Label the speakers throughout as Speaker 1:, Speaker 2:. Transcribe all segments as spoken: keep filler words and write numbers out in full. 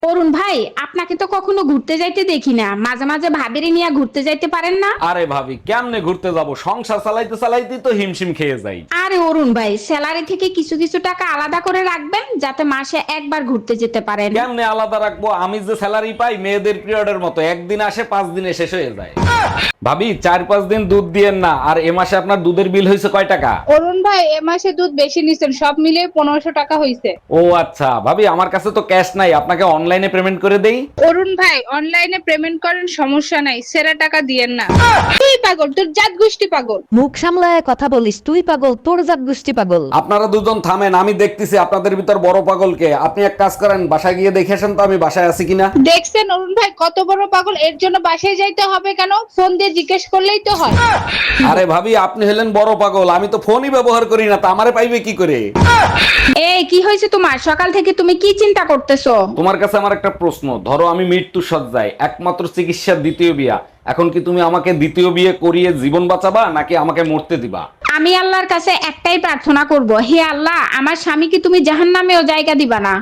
Speaker 1: অরুণ ভাই, আপনাকে তো কখনো ঘুরতে যাইতে দেখি না। মাঝে মাঝে ভাবিরে নিয়ে ঘুরতে যাইতে পারেন না?
Speaker 2: আরে ভাবি, কেমনে ঘুরতে যাব? সংসার চালাইতে চালাইতে তো হিমশিম খেয়ে যাই।
Speaker 1: আরে অরুণ ভাই, স্যালারি থেকে কিছু কিছু টাকা আলাদা করে রাখবেন, যাতে মাসে একবার ঘুরতে যেতে পারেন।
Speaker 2: কেমনে আলাদা রাখবো? আমি যে স্যালারি পাই মেয়েদের পিরিয়ডের মতো, একদিন আসে পাঁচ দিনে শেষ হয়ে যায়। ভাবি, চার পাঁচ দিন দুধ দিয়েন না। আর এ মাসে আপনার দুধের বিল হয়েছে কয় টাকা?
Speaker 3: অরুণ ভাই, এ মাসে দুধ বেশি নিছেন, সব মিলিয়ে পনেরোশো টাকা হইছে।
Speaker 2: ও আচ্ছা ভাবি, আমার কাছে তো ক্যাশ নাই, আপনাকে অনলাইনে পেমেন্ট করে দেই।
Speaker 3: অরুণ ভাই, অনলাইনে পেমেন্ট করেন, সমস্যা নাই, সেরা টাকা দিয়েন না। তুই পাগল, তোর জাত গোষ্ঠী পাগল।
Speaker 4: মুখ সামলায় কথা বলিস, তুই পাগল, তোর জাত গোষ্ঠী পাগল।
Speaker 2: আপনারা দুজন থামেন, আমি দেখতেছি আপনাদের ভিতর বড় পাগলকে। আপনি এক কাজ করেন, বাসায় গিয়ে দেখে আসেন তো আমি বাসায় আছি কিনা।
Speaker 3: দেখছেন অরুণ ভাই কত বড় পাগল, এর জন্য বাসায় যাইতে হবে কেন? ফোন দিয়ে জিজ্ঞেস করলেই তো হয়।
Speaker 2: আরে ভাবি, আপনি হলেন বড় পাগল, আমি তো ফোনই ব্যবহার করি না, তা আমারে পাইবে কি করে?
Speaker 1: এই কি হয়েছে তোমার? সকাল থেকে তুমি কি চিন্তা করতেছো?
Speaker 2: তোমার কাছে আমার একটা প্রশ্ন। ধরো আমি মৃত্যু সজ্জায়, একমাত্র চিকিৎসার দ্বিতীয় বিয়া, এখন কি তুমি আমাকে দ্বিতীয় বিয়ে করিয়ে জীবন বাঁচাবা নাকি আমাকে মরতে দিবা?
Speaker 1: আমি আল্লাহর কাছে একটাই প্রার্থনা করব, হে আল্লাহ, আমার স্বামীকে তুমি জাহান্নামেও জায়গা দিবা না।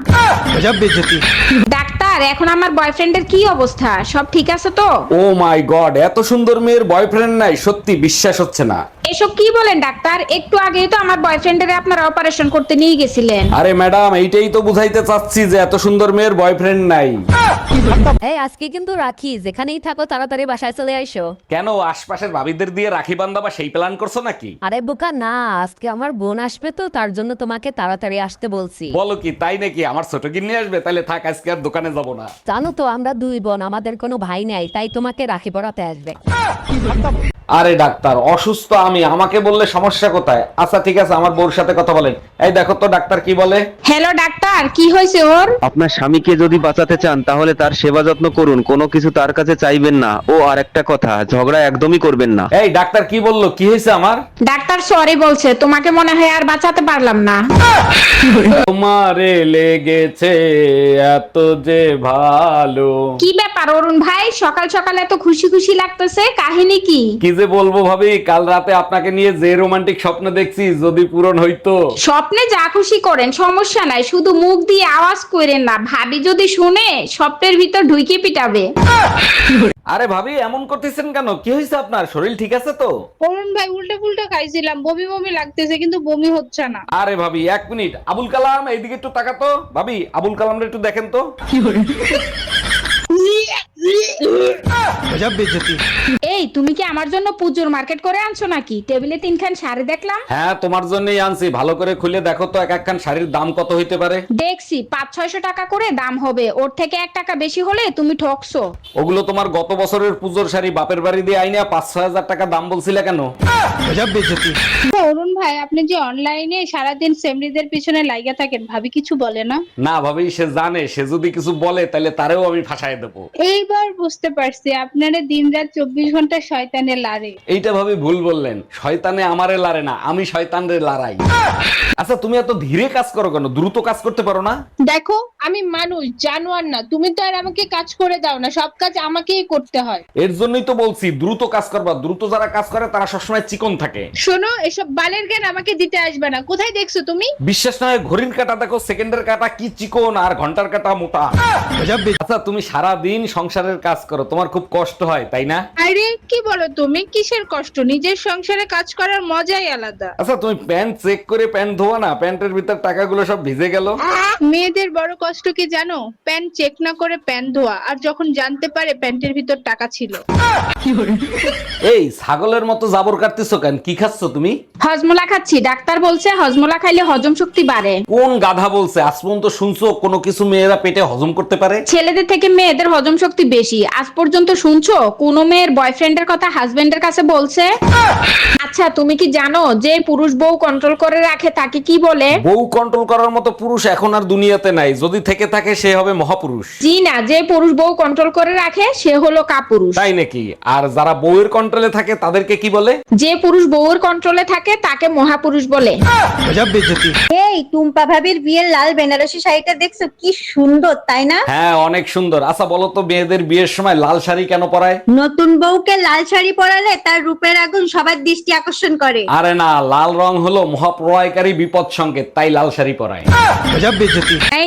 Speaker 1: ডাক্তার, এখন আমার বয়ফ্রেন্ডের কি অবস্থা? সব ঠিক আছে তো?
Speaker 2: ও মাই গড, এত সুন্দর মেয়ের বয়ফ্রেন্ড নাই? সত্যি বিশ্বাস হচ্ছে না।
Speaker 1: এসব কি বলেন ডাক্তার? একটু আগেই তো আমার বয়ফ্রেন্ডের আপনারা অপারেশন করতে নিয়ে গেছিলেন।
Speaker 2: আরে ম্যাডাম, এইটাই তো বুঝাইতে চাচ্ছি যে এত সুন্দর মেয়ের বয়ফ্রেন্ড নাই।
Speaker 4: এই আজকে কিন্তু রাখি, যেখানেই থাকো তাড়াতাড়ি বাসায় চলে আইসো।
Speaker 2: কেন, আশপাশের ভাবিদের দিয়ে রাখি বান্ধাবা সেই প্ল্যান করছো নাকি?
Speaker 4: আরে বোকা না, আজকে আমার বোন আসবে তো, তার জন্য তোমাকে তাড়াতাড়ি আসতে বলছি।
Speaker 2: বলো কি, তাই নাকি? আমার ছোট কিনে আসবে? তাহলে থাক, আজকে আর দোকানে যাব না।
Speaker 4: জানো তো আমরা দুই বোন, আমাদের কোনো ভাই নাই, তাই তোমাকে রাখি পরাতে আসবে।
Speaker 2: আরে ডাক্তার, অসুস্থ আমি, আমাকে বললে সমস্যা কোথায়? আচ্ছা ঠিক আছে, আমার বউর সাথে কথা বলেন। এই দেখো তো ডাক্তার কি বলে।
Speaker 1: হ্যালো ডাক্তার, কি হয়েছে ওর?
Speaker 5: আপনার স্বামীকে যদি বাঁচাতে চান তাহলে তার সেবা যত্ন করুন, কোনো কিছু তার কাছে চাইবেন না। ও আর একটা কথা, ঝগড়া একদমই করবেন না।
Speaker 2: এই ডাক্তার কি বললো? কি হয়েছে আমার?
Speaker 1: ডাক্তার সরি বলছে, তোমাকে মনে হয় আর বাঁচাতে পারলাম না।
Speaker 2: তোমারে লেগেছে এত যে ভালো।
Speaker 1: কি ব্যাপার অরুণ ভাই, সকাল সকাল এত খুশি খুশি লাগতেছে, কাহিনী কি?
Speaker 2: কি যে বলবো ভাবি, কাল রাতে আপনাকে নিয়ে যে রোমান্টিক স্বপ্ন দেখছি, যদি পূরণ হইতো।
Speaker 1: স্বপ্নে যা খুশি করেন, সমস্যা নাই, শুধু মুখ দিয়ে আওয়াজ করেন না, ভাবি যদি শুনে স্বপ্নের ভিতর ঢুকে পিটাবে।
Speaker 2: আরে ভাবি, এমন করতেছেন কেন? কি হয়েছে আপনার? শরীর ঠিক আছে তো?
Speaker 3: অরুণ ভাই, উল্টে পুল্টে খাইছিলাম, বমি বমি লাগতেছে, কিন্তু বমি হচ্ছে না।
Speaker 2: আরে ভাবি এক মিনিট, আবুল কালাম এইদিকে একটু তাকাতো। ভাবি, আবুল কালামটা একটু দেখেন তো।
Speaker 1: এই তুমি কি আমার জন্য পুজোর মার্কেট করে আনছো নাকি? টেবিলে তিনখান শাড়ি দেখলাম।
Speaker 2: হ্যাঁ, তোমার জন্যই আনছি, ভালো করে খুলে দেখো তো এক একখান শাড়ির দাম কত হইতে পারে।
Speaker 1: দেখছি পাঁচ ছয়শো টাকা করে দাম হবে, ওর থেকে এক টাকা বেশি হলে তুমি ঠকছো।
Speaker 2: ওগুলো তোমার গত বছরের পুজোর শাড়ি, বাপের বাড়ি দিয়ে আইনা পাঁচ ছয় হাজার টাকা দাম বলছিলে কেন?
Speaker 3: অরুণ ভাই, আপনি যে অনলাইনে সারাদিন সেমরিদের পিছনে লাইগা থাকেন, ভাবি কিছু বলে না?
Speaker 2: না ভাবি, সে জানে, সে যদি কিছু বলে তাহলে তারেও আমি ফাঁসাই দেবো।
Speaker 3: এইবার বুঝতে পারছি, আপনারা দিন রাত চব্বিশ ঘন্টা শয়তানে লারে।
Speaker 2: এইটা ভাবি ভুল বললেন, শয়তানে আমারে লারে না, আমি শয়তানরে লারাই। আচ্ছা তুমি এত ধীরে কাজ করো কেন? দ্রুত কাজ করতে পারো না?
Speaker 3: দেখো, আমি মানুষ, জানোয়ার না। তুমি তো আর আমাকে কাজ করে দাও না, সব কাজ আমাকেই করতে হয়।
Speaker 2: এর জন্যই তো বলছি দ্রুত কাজ করবা। দ্রুত যারা কাজ করে তারা সবসময় চিকন থাকে।
Speaker 3: শোনো, এসব বালের জ্ঞান আমাকে দিতে আসবে না। কোথায় দেখছো তুমি?
Speaker 2: বিশ্বাস না হয় ঘড়ির কাঁটা দেখো, সেকেন্ডের কাঁটা কি চিকন আর ঘন্টার কাঁটা মোটা। আচ্ছা তুমি সারা দিন সংসারের কাজ করো, তোমার খুব কষ্ট হয় তাই না?
Speaker 3: আরে কি বলো তুমি? কিসের কষ্ট? নিজের সংসারে কাজ করার মজাই আলাদা।
Speaker 2: আচ্ছা তুমি প্যান্ট চেক করে প্যান্ট ধোয়া না? প্যান্টের ভিতর টাকাগুলো সব ভিজে গেল।
Speaker 3: মেয়েদের বড় কষ্ট কি জানো? প্যান্ট চেক না করে প্যান্ট ধোয়া, আর যখন জানতে পারে প্যান্টের ভিতর টাকা ছিল।
Speaker 2: এই ছাগলের মতো জাবর কাটতেছো কেন? কি খাচ্ছ তুমি?
Speaker 1: হজমোলা খাচ্ছি, ডাক্তার বলছে হজমোলা খাইলে হজম শক্তি বাড়ে।
Speaker 2: কোন গাধা বলছে? আজ পর্যন্ত শুনছো কোনো কিছু মেয়েরা পেটে হজম করতে পারে?
Speaker 1: ছেলেদের থেকে মেয়েদের হজম শক্তি বেশি। আজ পর্যন্ত শুনছো কোনো মেয়ের বয়ফ্রেন্ডের কথা হাজবেন্ডের কাছে বলছে? আচ্ছা তুমি কি জানো যে পুরুষ বউ কন্ট্রোল করে রাখে তাকে কি বলে?
Speaker 2: বউ কন্ট্রোল করার মতো পুরুষ এখন আর দুনিয়াতে নাই, যদি থেকে থাকে সে হবে মহাপুরুষ।
Speaker 1: জি না, যে পুরুষ বউ কন্ট্রোল করে রাখে সে হলো কাপুরুষ।
Speaker 2: তাই নাকি? আর যারা বউয়ের কন্ট্রোলে থাকে তাদেরকে কি বলে?
Speaker 1: যে পুরুষ বউয়ের কন্ট্রোলে থাকে তাকে মহাপুরুষ বলে।
Speaker 6: এই টুম্পা ভাবির বিয়ের লাল বেনারসি শাড়িটা দেখছো? কি সুন্দর, তাই না?
Speaker 2: হ্যাঁ অনেক সুন্দর। আচ্ছা বলো তো, মেয়েদের বিয়ের সময় লাল শাড়ি কেন পরায়?
Speaker 6: নতুন বউকে লাল শাড়ি পরালে তার রূপের আগুন সবার দৃষ্টি আকর্ষণ করে।
Speaker 2: আরে না, লাল রং হলো মহাপ্রলয়কারী বিপদ সংকেত, তাই লাল শাড়ি পরায়।
Speaker 1: এই নাও,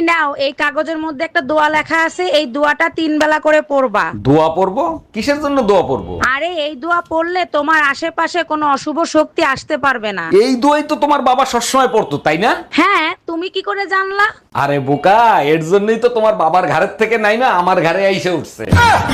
Speaker 7: এই কাগজের মধ্যে একটা দোয়া লেখা আছে, এই দোয়াটা তিন বেলা করে পড়বা।
Speaker 2: দোয়া পড়বো? কিসের জন্য দোয়া পড়বো?
Speaker 7: আরে এই দোয়া পড়লে তোমার আশেপাশে কোনো অশুভ শক্তি আসতে পারবে না।
Speaker 2: এই দোয়াই তো তোমার বাবা সবসময় পড়তো, তাই না?
Speaker 7: হ্যাঁ, তুমি কি করে জানলা?
Speaker 2: আরে বোকা, এর জন্যই তো তোমার বাবার ঘাড়ের থেকে নাই না আমার ঘাড়ে আইসে উঠছে।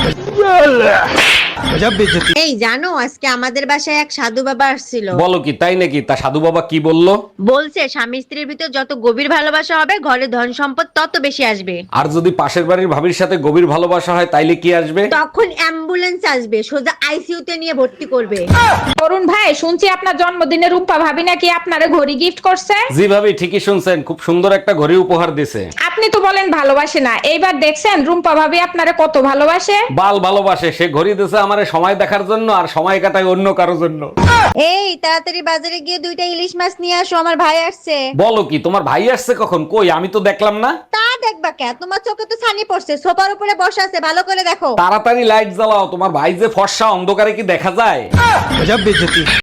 Speaker 6: এই জানো আজকে আমাদের বাসায় এক সাধু বাবা আসছিল।
Speaker 2: বলো কি, তাই নাকি? তা সাধু বাবা কি বললো?
Speaker 6: বলছে স্বামী স্ত্রীর ভিতর যত গভীর ভালোবাসা হবে ঘরে ধন সম্পদ তত বেশি আসবে।
Speaker 2: আর যদি পাশের বাড়ির ভাবির সাথে গভীর ভালোবাসা হয় তাইলে কি আসবে?
Speaker 6: তখন অ্যাম্বুলেন্স আসবে, সোজা আইসিইউ তে নিয়ে ভর্তি করবে।
Speaker 1: অরুণ ভাই, শুনছি আপনার জন্মদিনে রূপা ভাবি নাকি আপনারে ঘড়ি গিফট করছে।
Speaker 2: জি ভাবি, ঠিকই শুনছেন, খুব সুন্দর একটা ঘড়ি উপহার দিছে।
Speaker 1: আপনি তো বলেন ভালোবাসে না, এইবার দেখছেন রুম্পা ভাবি আপনারে কত ভালোবাসে।
Speaker 2: বাল ভালোবাসে, সে ঘড়ি দিছে আমারে সময় দেখার জন্য আর সময় কাটায় অন্য কারোর জন্য।
Speaker 6: এই তাড়াতাড়ি বাজারে গিয়ে দুইটা ইলিশ মাছ নিয়ে আসো, আমার ভাই আসছে।
Speaker 2: বলো কি, তোমার ভাই আসছে কখন? কই, আমি তো দেখলাম না।
Speaker 6: তা দেখবা কে, তোমার চোখে তো ছানি পড়ছে, সোফার উপরে বসে আছে, ভালো করে দেখো।
Speaker 2: তাড়াতাড়ি লাইট জ্বালাও, তোমার ভাই যে ফর্সা, অন্ধকারে কি দেখা যায়?